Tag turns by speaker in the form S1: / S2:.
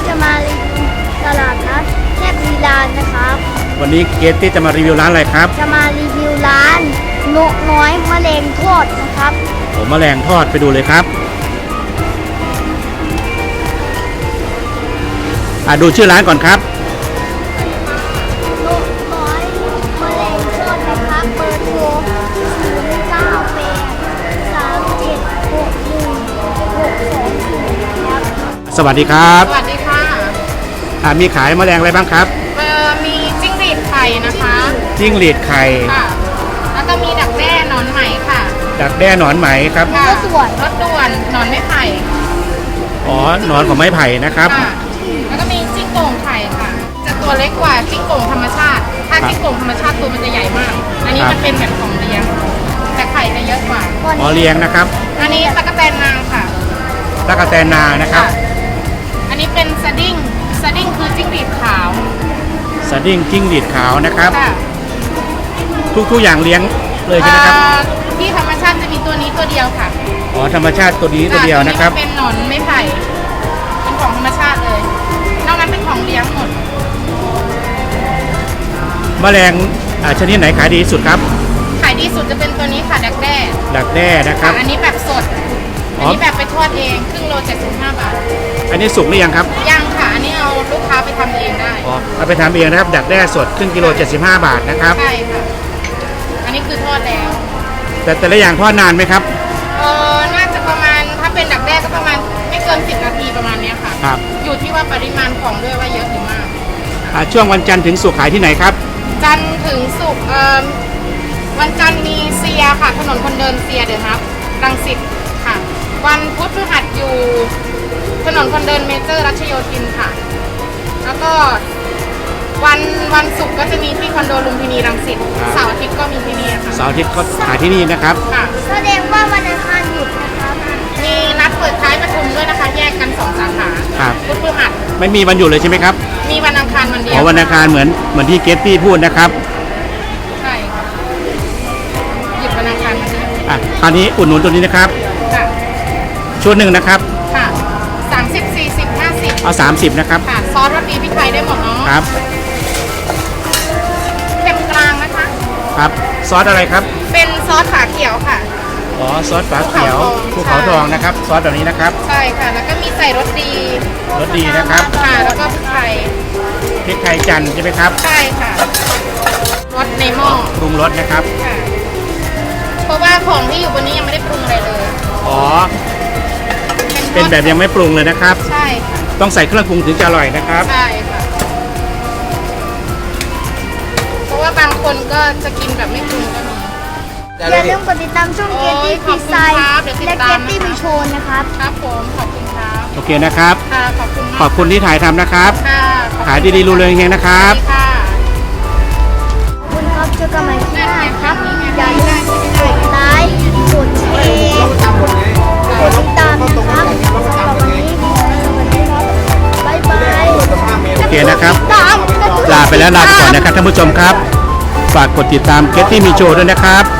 S1: จะมารีวิวตลาดนัดแคบลีลานนะครับ
S2: วันนี้เกตตี้จะมารีวิวร้านอะไรครับ
S1: จะมารีวิวร้านนกน้อยมะเร็งทอดนะครับ
S2: แมลงทอดไปดูเลยครับดูชื่อร้านก่อนครับ
S1: นกน้อยมะเร็งทอดนะครับเบอร์โทร
S2: สวัสดีครับ
S3: สวัสดีค่ะ
S2: มีขายแมลงอะไรบ้างครับ
S3: มีจิ้งหรีดไข่นะคะ
S2: จิ้งหรีดไข่
S3: ค่ะแล้วก็มีดักแด้หนอนไหมค่ะ
S2: ดักแด้หนอนไหมครับ
S1: รถด่วน
S3: หนอนไม้ไผ่
S2: หนอนของไม้ไผ่นะครับ
S3: แล้วก็มีจิ้งโก่งไข่ค่ะจะตัวเล็กกว่าจิ้งโก่งธรรมชาติถ้าจิ้งโก่งธรรมชาติตัวมันจะใหญ่มากอันนี้มันเป็นแบบของเลี้ยงแต่ไข่จะเยอะกว่า
S2: เลี้ยงนะครับ
S3: อันนี้ตะกแตนนางค่ะ
S2: ตะกแตนนานะครับ
S3: อันนี้เป็นสดิ้งคือจิ้งหรีดขาว
S2: สดิ้งจิ้งหรีดขาวนะครับทุกอย่างเลี้ยงเลยใช่ไหมครับ
S3: ที่ธรรมชาติจะมีตัวนี้ตัวเดียวค่ะ
S2: ธรรมชาติตัวนี้ตัวเดียวนะครับ
S3: เป็นหนอนไม้ไผ่เป็นของธรรมชาติเลยนอกนั้นเป็นของเลี้ยงหมด
S2: แมลงชนิดไหนขายดีสุดครับ
S3: ขายดีสุดจะเป็นตัวนี้ค่ะดักแด้
S2: นะครับ
S3: อันนี้แบบสดอันนี้แบบไปทอดเองครึ่งโล75 บาท
S2: อันนี้สุกหรือยังครับ
S3: ยังค่ะอันนี้เอาลูกค้าไปทำเองได้
S2: เอาไปทำเองนะครับดักแด้สดครึ่งกิโล75 บาทนะครับ
S3: ใช่ค่ะอันนี้คือทอดแล้ว
S2: แต่ละอย่างทอดนานไหมครับ
S3: น่าจะประมาณถ้าเป็นดักแด้ก็ประมาณไม่เกิน10 นาทีประมาณนี้ค่ะ
S2: ครับ
S3: อยู่ที่ว่าปริมาณของด้วยว่าเยอะหรือมาก
S2: ช่วงวันจันทร์ถึงศุกร์ขายที่ไหนครับ
S3: จันทร์ถึงศุกร์วันจันทร์มีเซียค่ะถนนคนเดินเซียเดี๋ยวครับรังสิตค่ะวันพุธพฤหัสอยู่ถนนคนเดินเมเจอร์รัชโยธินค่ะแล้วก็วันศุกร์ก็จะมีที่คอนโดลุมพินีรังสิตเสาร์อาทิตย์ก็มีที่นี่ค่ะ
S2: เสาร์อาทิตย์ก็ขายที่นี่นะครับ
S1: แสดงว่าวันอังคารหยุดนะครับ
S3: มีนัดเปิดท้ายประชุมด้วยนะคะแยกกัน2 สาขาพุธพฤหัส
S2: ไม่มีวันหยุดเลยใช่ไหมครับ
S3: มีวันอังคารวันเดียว
S2: วันอังคารเหมือนที่เกตตี้พูดนะครับ
S3: ใช่ค่ะหยุดวันอังคารวันเดียว
S2: คราวนี้อุดหนุนตัวนี้นะครับชุดหนึ่งนะครับ
S3: ค่ะ30 40 50
S2: เอา30นะครับ
S3: ค่ะซอสรสดีพริกไทยได้หมดเนาะ
S2: ครับ
S3: เค็มกลางนะคะ
S2: ครับซอสอะไรครับ
S3: เป็นซอสฝาเขียวค่ะ
S2: ซอสฝาเขียวภูเขาทองนะครับซอสแบบนี้นะครับ
S3: ใช่ค่ะแล้วก็มีใส่รสดี
S2: นะครับ
S3: ค่ะแล้วก็พริกไทย
S2: จันทร์ใช่ไหมครับ
S3: ใช่ค่ะรสในหม้อ
S2: ปรุงรสนะครับ
S3: ค่ะเพราะว่าของที่อยู่บนนี้ยังไม่ได้ปรุงอะไรเลย
S2: เป็นแบบยังไม่ปรุงเลยนะครับ
S3: ใช่ค่ะ
S2: ต้องใส่เครื่องปรุงถึงจะอร่อยนะครับ
S3: ใช่ค่ะเพราะว่าบางคนก็จะกินแบบไม่ปรุงก็มี
S1: อย่าลืมกดติดตามช่องเกตตี้พีไซและเกตตี้มีโชว์นะครับ
S3: ครับผมขอบคุณครับ
S2: โอเคนะครับ
S3: ค่ะ
S2: ขอบคุณที่ถ่ายทำนะครับ
S3: ค่ะ
S2: ขายดีๆรูเรืองเฮงนะครับ
S1: ค่ะขอบคุณครับเจอกันใหม่ที่หน้าครับอย่าลืมกดไลค์กดแชร์กดติดตามนะครับสำหรับวันนี้สวัสดีครับบ๊ายบาย
S2: โอเคนะครับลาไปก่อนนะครับท่านผู้ชมครับฝากกดติดตามเกตตี้มีโชว์ด้วยนะครับ